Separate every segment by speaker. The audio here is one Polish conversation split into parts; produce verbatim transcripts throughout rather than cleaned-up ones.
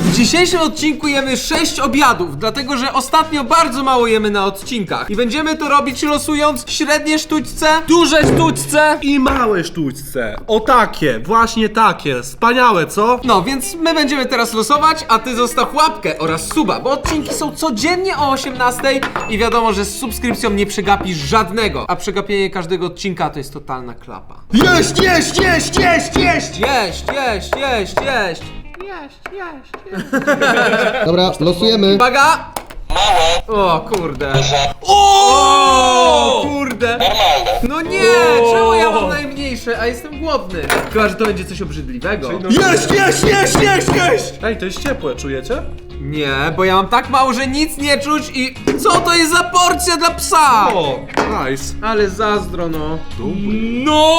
Speaker 1: W dzisiejszym odcinku jemy sześć obiadów, dlatego że ostatnio bardzo mało jemy na odcinkach. I będziemy to robić losując średnie sztućce, duże sztućce
Speaker 2: I małe sztućce. O takie, właśnie takie. Wspaniałe, co?
Speaker 1: No, więc my będziemy teraz losować, a ty zostaw łapkę oraz suba, bo odcinki są codziennie o osiemnastej i wiadomo, że z subskrypcją nie przegapisz żadnego, a przegapienie każdego odcinka to jest totalna klapa.
Speaker 2: Jeść, jeść, jeść, jeść, jeść!
Speaker 1: Jeść, jeść, jeść, jeść! Jeść, jeść, jeść.
Speaker 3: Dobra, losujemy.
Speaker 1: Uwaga! O kurde. O kurde. No nie, czemu ja mam najmniejsze, a jestem głodny? Chyba, że to będzie coś obrzydliwego.
Speaker 2: Jeść, jeść, jeść, jeść, jeść! Ej, to jest ciepłe, czujecie?
Speaker 1: Nie, bo ja mam tak mało, że nic nie czuć i co to jest za porcja dla psa?
Speaker 2: O, nice.
Speaker 1: Ale zazdro, no.
Speaker 4: No!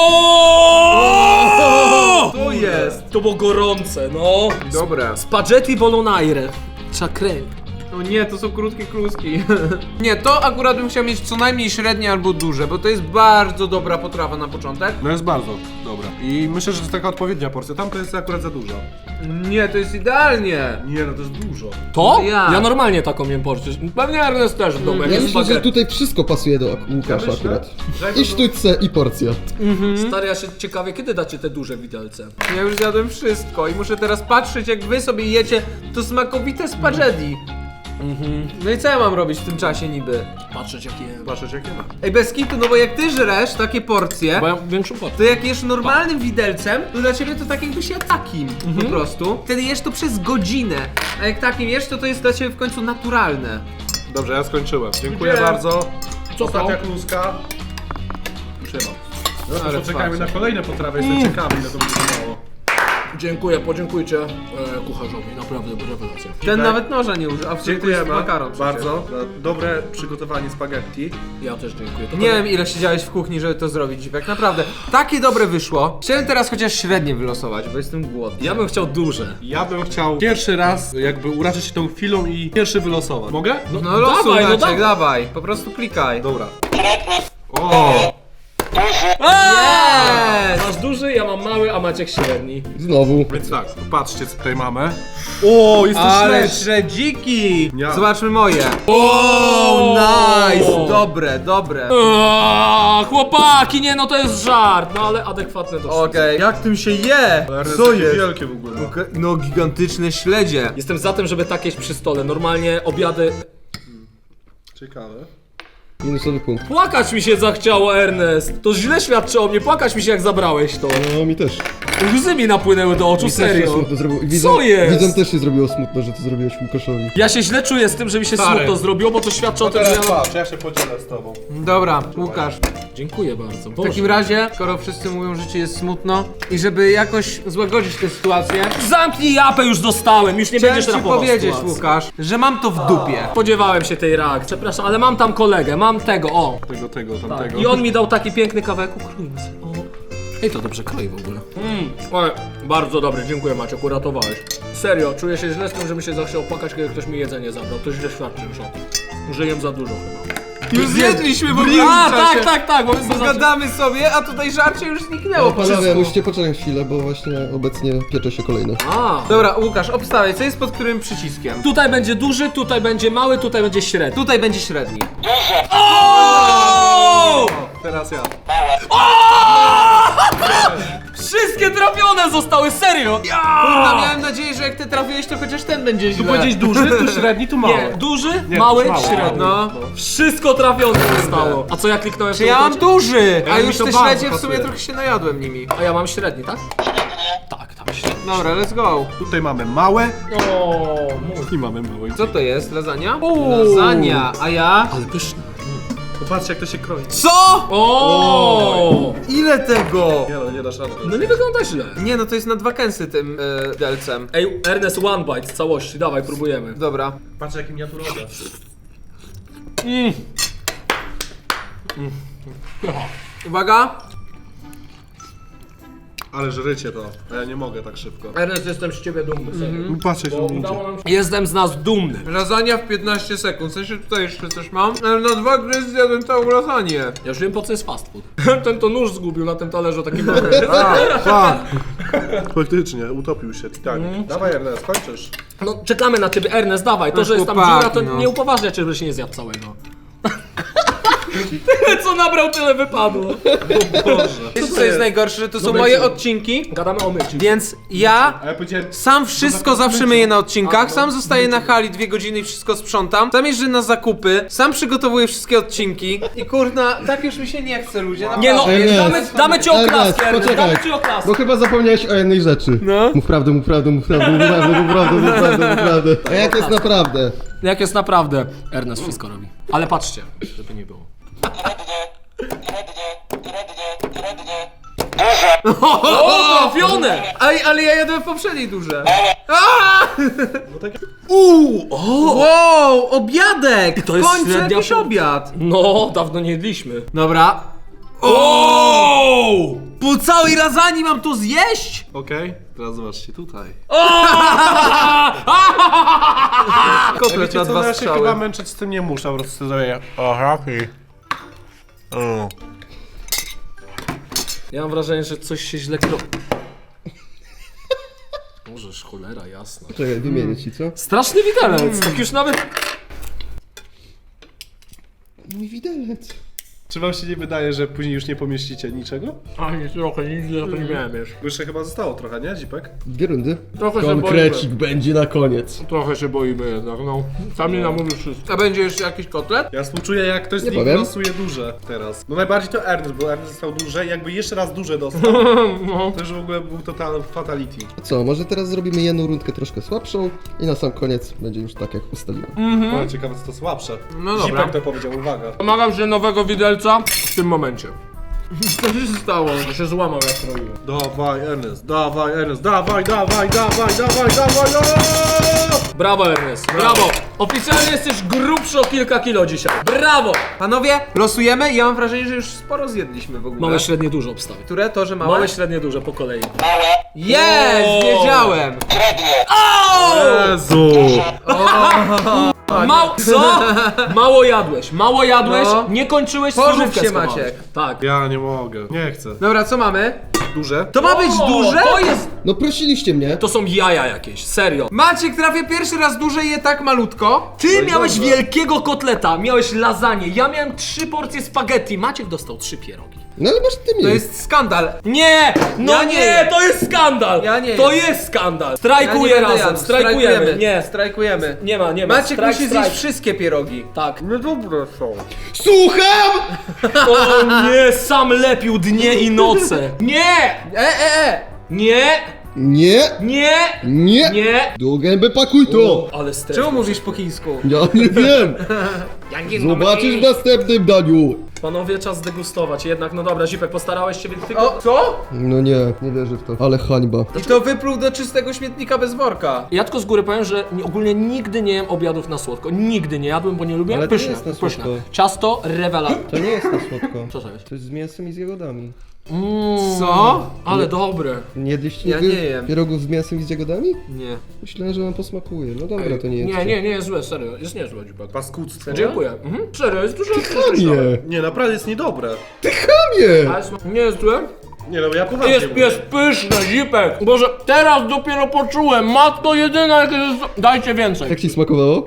Speaker 1: To jest.
Speaker 4: To było gorące, no.
Speaker 1: Dobre.
Speaker 4: Spaghetti bolognese. Czakrej.
Speaker 1: No nie, to są krótkie kluski. Nie, to akurat bym chciał mieć co najmniej średnie albo duże, bo to jest bardzo dobra potrawa na początek.
Speaker 2: No jest bardzo dobra. I myślę, że to jest taka odpowiednia porcja. Tam to jest akurat za dużo.
Speaker 1: Nie, to jest idealnie.
Speaker 2: Nie, no to jest dużo.
Speaker 4: To?
Speaker 1: Ja.
Speaker 4: Ja normalnie taką jem porcję. Pewnie Ernest też w domu, jak
Speaker 3: Ja
Speaker 4: jest
Speaker 3: myślę, że
Speaker 4: spaghetti.
Speaker 3: tutaj wszystko pasuje do Łukasza
Speaker 2: myślę,
Speaker 3: akurat.
Speaker 2: że-
Speaker 3: I sztućce, i porcja.
Speaker 4: Stary, ja się ciekawie, kiedy dacie te duże widelce?
Speaker 1: Ja już zjadłem wszystko i muszę teraz patrzeć, jak wy sobie jecie to smakowite spaghetti. No i co ja mam robić w tym czasie niby?
Speaker 4: Patrzeć jakie jem.
Speaker 2: Patrzeć jakie ma.
Speaker 1: Ej, bez kitu, no bo jak ty żresz takie porcje,
Speaker 4: Bo ja mam większą porcję.
Speaker 1: to jak jesz normalnym widelcem, to dla ciebie to tak jakbyś jadł takim po prostu. Wtedy jesz to przez godzinę, a jak takim jesz, to to jest dla ciebie w końcu naturalne.
Speaker 2: Dobrze, ja skończyłem. Dziękuję
Speaker 1: Dziękuję.
Speaker 2: bardzo.
Speaker 4: Co
Speaker 2: Ostatnia
Speaker 4: to?
Speaker 2: kluska. Trzymam. No to
Speaker 1: Ale
Speaker 2: poczekajmy
Speaker 1: twarze.
Speaker 2: na kolejne potrawy, jestem ciekawy, ile to będzie trwało.
Speaker 4: Dziękuję, podziękujcie e, kucharzowi, naprawdę rewelacja.
Speaker 1: Ten nawet noża nie użył, a w sumie to jest
Speaker 2: Dziękujemy
Speaker 1: makaron przecież.
Speaker 2: bardzo za dobre przygotowanie spaghetti.
Speaker 4: Ja też dziękuję. To
Speaker 1: Nie wiem ile siedziałeś w kuchni, żeby to zrobić, Dziwek, naprawdę. Takie dobre wyszło. Chciałem teraz chociaż średnie wylosować, bo jestem głodny.
Speaker 4: Ja bym chciał duże.
Speaker 2: Ja bym chciał pierwszy raz jakby uraczyć się tą chwilą i pierwszy wylosować. Mogę?
Speaker 4: No,
Speaker 1: No losuj,
Speaker 4: dawaj, no
Speaker 1: Maciek,
Speaker 4: dawaj.
Speaker 1: dawaj, po prostu klikaj.
Speaker 2: Dobra. O!
Speaker 1: Yes!
Speaker 4: Masz duży, ja mam mały, a Maciek średni.
Speaker 3: Znowu.
Speaker 2: Więc tak, patrzcie co tutaj mamy. O, jest to
Speaker 1: Ale
Speaker 2: śledź!
Speaker 1: średziki!
Speaker 2: Ja.
Speaker 1: Zobaczmy moje. O, nice! Dobre, dobre.
Speaker 4: Eee, chłopaki, nie no to jest żart, no ale adekwatne do
Speaker 1: Okej, jak tym się je?
Speaker 2: Ale
Speaker 1: Co
Speaker 2: takie
Speaker 1: jest?
Speaker 2: wielkie w ogóle.
Speaker 1: Okej, no gigantyczne śledzie.
Speaker 4: Jestem za tym, żeby tak jeść przy stole. Normalnie obiady...
Speaker 2: Ciekawe.
Speaker 3: Minusowy punkt.
Speaker 4: Płakać mi się zachciało, Ernest. To źle świadczy o mnie, płakać mi się jak zabrałeś to.
Speaker 3: No mi też.
Speaker 4: Łzy mi napłynęły do oczu,
Speaker 3: Mi też się
Speaker 4: serio.
Speaker 3: smutno zrobiło. I
Speaker 4: Co jest?
Speaker 3: Widzom też się zrobiło smutno, że to zrobiłeś Łukaszowi.
Speaker 4: Ja się źle czuję z tym, że mi się
Speaker 2: Stary.
Speaker 4: smutno zrobiło, bo to świadczy o tym, że
Speaker 2: Teraz
Speaker 4: ja...
Speaker 2: patrz, ja się podzielę z tobą.
Speaker 1: Dobra, Łukasz.
Speaker 4: Dziękuję bardzo.
Speaker 1: W takim razie, skoro wszyscy mówią, że ci jest smutno i żeby jakoś złagodzić tę sytuację,
Speaker 4: Zamknij japę, już dostałem, już nie
Speaker 1: chciałem
Speaker 4: będziesz
Speaker 1: ci
Speaker 4: rapował
Speaker 1: powiedzieć,
Speaker 4: sytuacji.
Speaker 1: Łukasz, że mam to w dupie.
Speaker 4: Spodziewałem się tej reakcji, przepraszam, ale mam tam kolegę, mam tego, o.
Speaker 2: Tego, tego, tamtego.
Speaker 4: I on mi dał taki piękny kawałek, ukrojmy sobie, o. Ej, to dobrze kroi w ogóle. Mm, oj, bardzo dobry, dziękuję Maciek, uratowałeś. Serio, czuję się źle z tym, że mi się zachciał płakać, kiedy ktoś mi jedzenie zabrał. To źle świadczy już o tym. Że jem za dużo chyba.
Speaker 1: Już zjedliśmy w ogóle
Speaker 4: A,
Speaker 1: w czasie.
Speaker 4: tak, tak, tak, bo my sobie
Speaker 1: Gadamy sobie, a tutaj żarcie już zniknęło
Speaker 3: No panowie,
Speaker 1: wszystko.
Speaker 3: musicie poczekać chwilę, bo właśnie obecnie piecze się kolejne.
Speaker 4: A,
Speaker 1: Dobra, Łukasz, obstawiaj, co jest pod którym przyciskiem?
Speaker 4: tutaj będzie duży, tutaj będzie mały, tutaj będzie średni.
Speaker 1: Tutaj będzie średni.
Speaker 4: O!
Speaker 2: Teraz ja.
Speaker 4: Wszystkie trafione zostały, serio!
Speaker 1: Kurwa, miałem nadzieję, że jak ty trafiłeś, to chociaż ten będzie źle.
Speaker 2: Tu powiedzieć duży, tu średni, tu mały.
Speaker 4: Nie, duży,
Speaker 2: Nie,
Speaker 4: mały,
Speaker 2: mały.
Speaker 4: średni.
Speaker 1: No.
Speaker 4: Wszystko trafione zostało. A co ja kliknąłem w
Speaker 1: Czy
Speaker 4: tą
Speaker 1: ja mam
Speaker 4: końcu?
Speaker 1: duży, a
Speaker 2: Ja mi
Speaker 1: już
Speaker 2: to
Speaker 1: te
Speaker 2: bardzo
Speaker 1: śledzie w sumie
Speaker 2: pasuje.
Speaker 1: trochę się najadłem nimi.
Speaker 4: A ja mam średni, tak? Tak, tam średni.
Speaker 1: Dobra, let's go.
Speaker 2: Tutaj mamy małe
Speaker 4: O, mój.
Speaker 2: i mamy małe.
Speaker 1: Co to jest? Lasagna?
Speaker 4: Uuu.
Speaker 1: Lasagna, a ja?
Speaker 4: Ale pyszne.
Speaker 2: Popatrzcie jak to się kroi.
Speaker 1: Co?
Speaker 4: O!
Speaker 1: Ile tego?
Speaker 2: Nie no, nie dasz rady.
Speaker 4: No nie wygląda źle.
Speaker 1: Nie no, to jest na dwa kęsy tym e, delcem.
Speaker 4: Ej, Ernest, one bite z całości, dawaj, próbujemy.
Speaker 1: Dobra.
Speaker 2: Patrz jaki miniaturowe.
Speaker 4: Mm.
Speaker 1: Uwaga.
Speaker 2: Ale żrycie to, a ja nie mogę tak szybko.
Speaker 4: Ernest, jestem z ciebie dumny, serio.
Speaker 2: Patrzcie,
Speaker 4: Bo
Speaker 2: że
Speaker 4: udało nam się... Jestem z nas dumny.
Speaker 1: Lasagna w piętnaście sekund, w sensie tutaj jeszcze coś mam, ale na dwa gry zjadłem całą lasagne.
Speaker 4: Ja już wiem, po co jest fast food. Ten to nóż zgubił na tym talerzu taki mały.
Speaker 2: A, tak. Faktycznie, utopił się Titanic. Dawaj Ernest, kończysz.
Speaker 4: No czekamy na ciebie, Ernest, dawaj. To, że jest tam
Speaker 1: chłopaki,
Speaker 4: dziura, to
Speaker 1: no.
Speaker 4: nie upoważnia cię, żebyś nie zjadł całego. Tyle co nabrał, tyle wypadło.
Speaker 1: Wiecie co jest najgorsze, że to są moje odcinki,
Speaker 4: Gadamy o myciu.
Speaker 1: więc ja
Speaker 2: A ja powiedziałem...
Speaker 1: sam wszystko zawsze myję na odcinkach, sam zostaję na hali dwie godziny i wszystko sprzątam, sam jeżdżę na zakupy, sam przygotowuję wszystkie odcinki i kurna, tak już mi się nie chce, ludzie.
Speaker 4: Nie no,
Speaker 3: Ernest.
Speaker 4: damy, damy ci
Speaker 3: Ernest,
Speaker 4: oklaskę, Ernest,
Speaker 3: poczekaj.
Speaker 4: damy ci oklaskę.
Speaker 3: Bo chyba zapomniałeś o jednej rzeczy.
Speaker 1: No.
Speaker 3: Mów prawdę, mów prawdę, mów prawdę, mów prawdę, mów prawdę, mów prawdę, mów prawdę. A jak jest naprawdę?
Speaker 4: Jak jest naprawdę, Ernest wszystko robi. Ale patrzcie, żeby nie było. O, trafione!
Speaker 1: Ej, ale ja jadłem w poprzedniej duże.
Speaker 2: tak-
Speaker 1: Uuu, wow, obiadek!
Speaker 4: To
Speaker 1: W
Speaker 4: jest
Speaker 1: końcu
Speaker 4: średnia
Speaker 1: jakiś
Speaker 4: pół-
Speaker 1: obiad.
Speaker 4: No, dawno nie jedliśmy.
Speaker 1: Dobra. O! Po całej lasagne mam to zjeść?
Speaker 2: Okej, teraz zobaczcie tutaj.
Speaker 1: Kotlet
Speaker 2: Wiecie
Speaker 1: na
Speaker 2: co,
Speaker 1: dwa
Speaker 2: ja się chyba
Speaker 1: strzały.
Speaker 2: męczyć z tym nie muszę, po prostu zrobię. O, happy. O.
Speaker 4: Ja mam wrażenie, że coś się źle kro... Możesz, cholera jasna.
Speaker 3: Czekaj, wymienię ci, co?
Speaker 4: Straszny widelec, tak już nawet...
Speaker 3: Mój widelec.
Speaker 2: Czy wam się nie wydaje, że później już nie pomieścicie niczego?
Speaker 4: Ani trochę, nic trochę nie miałem jeszcze.
Speaker 2: Bo jeszcze chyba zostało trochę, nie, Zipek?
Speaker 3: Dwie rundy.
Speaker 4: Trochę się
Speaker 3: Konkrecik będzie na koniec.
Speaker 4: Trochę się boimy jednak, no. Sam nie namówił wszystko.
Speaker 1: A będzie jeszcze jakiś kotlet?
Speaker 2: Ja współczuję, jak ktoś z
Speaker 3: Nie
Speaker 2: nich
Speaker 3: powiem.
Speaker 2: losuje duże teraz. No najbardziej to Ernest, bo Ernest dostał duże i jakby jeszcze raz duże dostał, to już w ogóle był total fatality.
Speaker 3: Co, może teraz zrobimy jedną rundkę troszkę słabszą i na sam koniec będzie już tak, jak ustaliłem.
Speaker 2: Ale ciekawe, co to słabsze.
Speaker 1: No dobra.
Speaker 2: Zipek to powiedział, uwaga.
Speaker 4: Domagam się nowego widelca w tym momencie. Co się stało? To się złamał jak robiłem.
Speaker 2: Dawaj Ernest, dawaj Ernest, dawaj, dawaj, dawaj, dawaj, dawaj, dawaj!
Speaker 4: Brawo Ernest, brawo! Oficjalnie jesteś grubszy o kilka kilo dzisiaj. Brawo!
Speaker 1: Panowie, losujemy i ja mam wrażenie, że już sporo zjedliśmy w ogóle.
Speaker 4: Małe, średnie, duże obstawy.
Speaker 1: Które? To, że małe?
Speaker 4: Małe, średnie, duże po kolei.
Speaker 1: Jest!
Speaker 4: O!
Speaker 1: Wiedziałem!
Speaker 2: Jezu!
Speaker 4: Mało, co? Mało jadłeś, mało jadłeś,
Speaker 1: No.
Speaker 4: nie kończyłeś,
Speaker 1: Pożycz
Speaker 4: surówkę
Speaker 1: się,
Speaker 4: schowałeś.
Speaker 1: Maciek.
Speaker 4: Tak.
Speaker 2: Ja nie mogę, nie chcę.
Speaker 1: Dobra, co mamy?
Speaker 2: Duże?
Speaker 1: To ma być
Speaker 4: O,
Speaker 1: duże?
Speaker 4: To jest,
Speaker 3: No prosiliście mnie.
Speaker 4: to są jaja jakieś, serio.
Speaker 1: Maciek trafia pierwszy raz duże i je tak malutko.
Speaker 4: Ty miałeś wielkiego kotleta, miałeś lasagne, ja miałem trzy porcje spaghetti, Maciek dostał trzy pierogi.
Speaker 3: No ale masz ty mnie.
Speaker 1: To jest skandal.
Speaker 4: Nie! No
Speaker 1: Ja
Speaker 4: nie,
Speaker 1: nie jem.
Speaker 4: to jest skandal!
Speaker 1: Ja nie
Speaker 4: To
Speaker 1: jem.
Speaker 4: jest skandal!
Speaker 1: Ja nie
Speaker 4: Strajkuję
Speaker 1: będę
Speaker 4: razem,
Speaker 1: jadł.
Speaker 4: strajkujemy. Nie,
Speaker 1: Strajkujemy.
Speaker 4: nie ma, nie ma.
Speaker 1: Maciek
Speaker 4: Strajk,
Speaker 1: musi
Speaker 4: strajk.
Speaker 1: zjeść wszystkie pierogi.
Speaker 4: Tak.
Speaker 2: No dobre są.
Speaker 3: Słucham!
Speaker 4: O nie, sam lepił dnie i noce. Nie!
Speaker 1: E, e, e!
Speaker 4: Nie!
Speaker 3: Nie,
Speaker 4: Nie!
Speaker 3: nie.
Speaker 4: Nie!
Speaker 3: Do gęby pakuj to.
Speaker 4: Ale stres.
Speaker 1: Czemu mówisz po chińsku?
Speaker 3: Ja nie wiem. Zobaczysz w następnym daniu.
Speaker 4: Panowie, czas zdegustować. Jednak, no dobra, Zipek, postarałeś się, więc tylko...
Speaker 1: O, co?
Speaker 3: No nie, nie wierzę w to. Ale hańba.
Speaker 1: I to wypluł do czystego śmietnika bez worka.
Speaker 4: Ja tylko z góry powiem, że nie, ogólnie nigdy nie jem obiadów na słodko. Nigdy nie jadłem, bo nie lubię.
Speaker 3: Ale to nie
Speaker 4: Pyszne,
Speaker 3: jest na
Speaker 4: pyszne.
Speaker 3: słodko.
Speaker 4: Ciasto, rewelacja.
Speaker 3: To nie jest na słodko.
Speaker 4: Co to jest?
Speaker 3: To jest z mięsem i z jagodami.
Speaker 1: Co?
Speaker 4: Ale dobre.
Speaker 3: Nie jedliście
Speaker 1: Ja
Speaker 3: nigdy
Speaker 1: nie jem.
Speaker 3: pierogów z mięsem i z jagodami?
Speaker 1: Nie.
Speaker 3: Myślałem, że wam posmakuje. No dobra, to nie jest.
Speaker 4: Nie, nie, nie jest złe, serio. Jest niezłe, Zipek.
Speaker 2: Paskudztwo.
Speaker 4: Dziękuję. Mhm. Serio, jest dużo
Speaker 3: Nie,
Speaker 2: Nie, naprawdę jest niedobre.
Speaker 3: nie.
Speaker 4: Ale sma- nie jest złe?
Speaker 2: Nie no, ja poważnie
Speaker 4: Jest,
Speaker 2: mówię.
Speaker 4: jest pyszne, Zipek. Boże, teraz dopiero poczułem. Matko jedyna, jak jest... Dajcie więcej.
Speaker 3: Jak ci smakowało?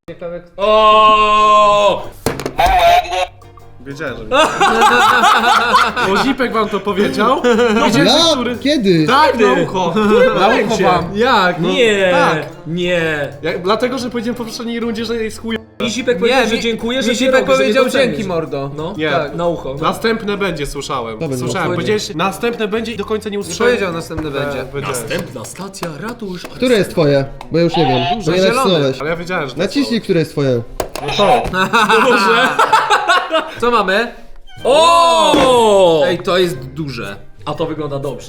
Speaker 4: O!
Speaker 2: Wiedziałem, że nie. Bo Zipek wam to powiedział? Wiedziałem, że
Speaker 3: Ja?
Speaker 2: który...
Speaker 3: Kiedy?
Speaker 2: Tak, na ucho. Na ucho wam.
Speaker 1: Jak?
Speaker 4: Nie,
Speaker 2: tak.
Speaker 4: nie.
Speaker 2: Ja, dlatego, że powiedziałem po poprzedniej rundzie, że jest chuj...
Speaker 4: I Zipek
Speaker 1: Nie,
Speaker 4: powiedział, że
Speaker 1: mi-
Speaker 4: dziękuję, że
Speaker 1: mi Zipek
Speaker 4: pierogi, że
Speaker 1: powiedział
Speaker 4: je docenisz.
Speaker 1: dzięki, mordo.
Speaker 4: No,
Speaker 2: Nie.
Speaker 4: tak, na ucho.
Speaker 2: Następne będzie, słyszałem.
Speaker 3: będzie.
Speaker 2: Słyszałem,
Speaker 1: No,
Speaker 2: powiedziałeś, następne będzie i do końca nie
Speaker 1: Nie
Speaker 2: usłyszałem.
Speaker 1: powiedział następny będzie.
Speaker 2: E, powiedziałem.
Speaker 4: Następna stacja, ratusz.
Speaker 3: Które jest twoje? Bo ja już nie wiem. Bo nie
Speaker 1: zielone.
Speaker 3: nacisnąłeś.
Speaker 2: Ale ja wiedziałem, że to
Speaker 3: Naciśnij, które jest twoje.
Speaker 2: No to.
Speaker 4: Boże.
Speaker 1: Co mamy?
Speaker 4: O!
Speaker 1: Ej, to jest duże.
Speaker 4: A to wygląda dobrze.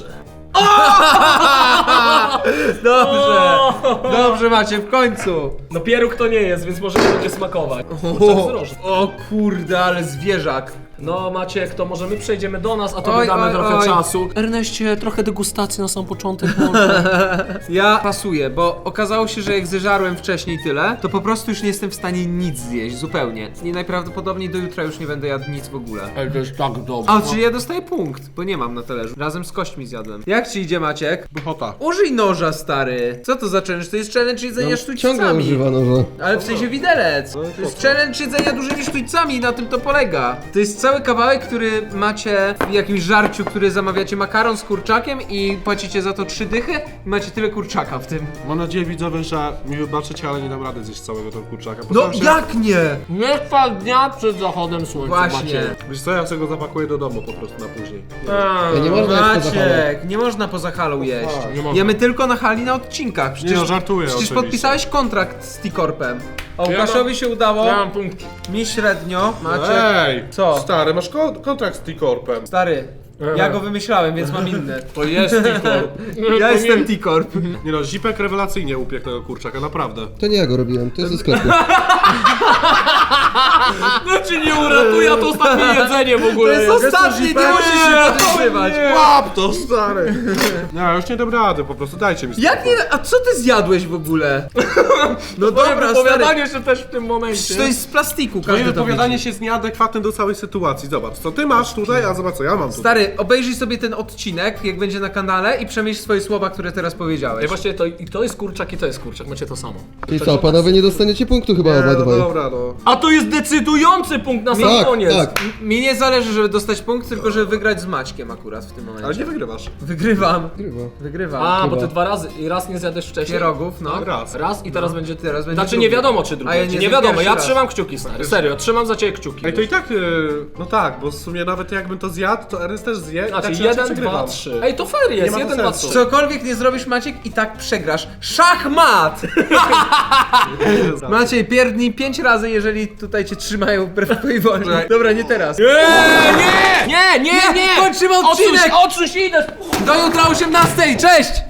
Speaker 1: Dobrze. Dobrze macie, w końcu.
Speaker 4: No pieróg to nie jest, więc może nie będzie smakować. Kurczak z rożem.
Speaker 1: O kurde, ale zwierzak.
Speaker 4: No Maciek, to może my przejdziemy do nas, a to
Speaker 1: Oj,
Speaker 4: damy
Speaker 1: oj,
Speaker 4: trochę
Speaker 1: oj.
Speaker 4: czasu. Erneście, trochę degustacji na sam początek może.
Speaker 1: Ja pasuję, bo okazało się, że jak zeżarłem wcześniej tyle, to po prostu już nie jestem w stanie nic zjeść, zupełnie. I najprawdopodobniej do jutra już nie będę jadł nic w ogóle.
Speaker 4: Ej, to jest tak dobrze.
Speaker 1: A, czyli ja dostaję punkt, bo nie mam na talerzu. Razem z kośćmi zjadłem. Jak ci idzie, Maciek?
Speaker 2: Buchota.
Speaker 1: Użyj noża, stary. Co to za challenge? To jest challenge jedzenia
Speaker 3: No,
Speaker 1: sztućcami.
Speaker 3: ciągle używa noża.
Speaker 1: Ale w sensie widelec. To jest challenge jedzenia dużymi sztućcami i na tym to polega. To jest cały kawałek, który macie w jakimś żarciu, który zamawiacie makaron z kurczakiem i płacicie za to trzy dychy i macie tyle kurczaka w tym.
Speaker 2: Mam nadzieję, widzowie, że mi wybaczycie, ale nie dam rady zjeść całego tego kurczaka.
Speaker 1: No
Speaker 2: Postaram się...
Speaker 1: jak nie?
Speaker 4: Nie trwa dnia przed zachodem słońca,
Speaker 1: Właśnie.
Speaker 4: Maciek.
Speaker 2: Wiesz co, ja sobie go zapakuję do domu po prostu na później.
Speaker 3: Ja nie można jeść poza halą.
Speaker 1: Maciek, nie można poza halą jeść.
Speaker 4: nie można.
Speaker 1: Jemy tylko na hali na odcinkach. Przecież,
Speaker 2: Nie no, żartuję
Speaker 1: Przecież
Speaker 2: oczywiście.
Speaker 1: podpisałeś kontrakt z T-Corpem. A
Speaker 4: Ja
Speaker 1: Łukaszowi
Speaker 4: mam-
Speaker 1: się udało,
Speaker 4: Ja mam punkt.
Speaker 1: mi średnio. Maciek,
Speaker 2: Ej!
Speaker 1: Co?
Speaker 2: Stary, masz ko kontrakt z T-Corpem.
Speaker 1: stary, ja go wymyślałem, więc mam inny.
Speaker 4: To jest T-Corp.
Speaker 1: Ja jestem T-Corp.
Speaker 2: Nie no, Zipek rewelacyjnie upiekł tego kurczaka, naprawdę.
Speaker 3: To nie ja go robiłem, to jest ze sklepu.
Speaker 4: Znaczy nie uratuje, a to ostatnie jedzenie w
Speaker 1: To
Speaker 4: ogóle
Speaker 1: jest ostatni, nie musisz się podejrzewać.
Speaker 2: Łap to, stary! Nie, ja już nie dam rady, po prostu dajcie mi spokój.
Speaker 1: Jak nie? A co ty zjadłeś w ogóle? No dobra, stary.
Speaker 4: Wypowiadanie się też w tym momencie.
Speaker 1: To jest z plastiku,
Speaker 2: Twoje
Speaker 1: każdy to
Speaker 2: wypowiadanie
Speaker 1: widzi.
Speaker 2: się jest nieadekwatne do całej sytuacji. Zobacz, co ty masz tutaj, a zobacz co ja mam tutaj.
Speaker 1: Stary, obejrzyj sobie ten odcinek, jak będzie na kanale i przemyśl swoje słowa, które teraz
Speaker 4: Ej,
Speaker 1: powiedziałeś.
Speaker 4: właściwie to, i to jest kurczak i to jest kurczak, macie to samo.
Speaker 3: I co, panowie nie dostaniecie punktu chyba
Speaker 2: Nie, no
Speaker 3: obydwaj.
Speaker 2: dobra, no.
Speaker 4: A to jest decydujący punkt na sam
Speaker 3: Tak,
Speaker 4: koniec.
Speaker 3: tak.
Speaker 1: Mi nie zależy, żeby dostać punkt, tylko żeby wygrać z Maćkiem akurat w tym
Speaker 2: Ale
Speaker 1: momencie.
Speaker 2: nie wygrywasz.
Speaker 1: Wygrywam.
Speaker 3: Grywa.
Speaker 1: Wygrywam.
Speaker 4: A, bo
Speaker 3: Chyba.
Speaker 4: ty dwa razy i raz nie zjadłeś wcześniej.
Speaker 1: Pierogów, no.
Speaker 2: Raz.
Speaker 4: Raz i teraz będzie.
Speaker 1: teraz będzie
Speaker 4: Znaczy
Speaker 1: drugi.
Speaker 4: nie wiadomo czy drugi.
Speaker 1: A ja
Speaker 4: nie,
Speaker 1: nie
Speaker 4: nie wiadomo,
Speaker 1: pierwszy
Speaker 4: ja
Speaker 1: raz.
Speaker 4: trzymam kciuki, stary. Serio, trzymam za ciebie kciuki.
Speaker 2: Ej, to i tak, yy, no tak, bo w sumie nawet jakbym to zjadł, to Ernest też zje. i
Speaker 4: Znaczy
Speaker 2: tak czy inaczej
Speaker 4: jeden,
Speaker 2: przegrywam.
Speaker 4: dwa, trzy. Ej, to fair jest,
Speaker 2: ma to
Speaker 4: jeden, dwa,
Speaker 2: sensu.
Speaker 4: trzy.
Speaker 1: Cokolwiek nie zrobisz, Maciek, i tak przegrasz. Szachmat! Maciej, pierdnij pięć razy, jeżeli tutaj cię trzymają wbrew twojej woli. Dobra, nie teraz.
Speaker 4: Nie, nie, nie, nie, nie!
Speaker 1: Kończymy odcinek!
Speaker 4: Odsuń, odsuń się, idę!
Speaker 1: Do jutra o osiemnastej, cześć!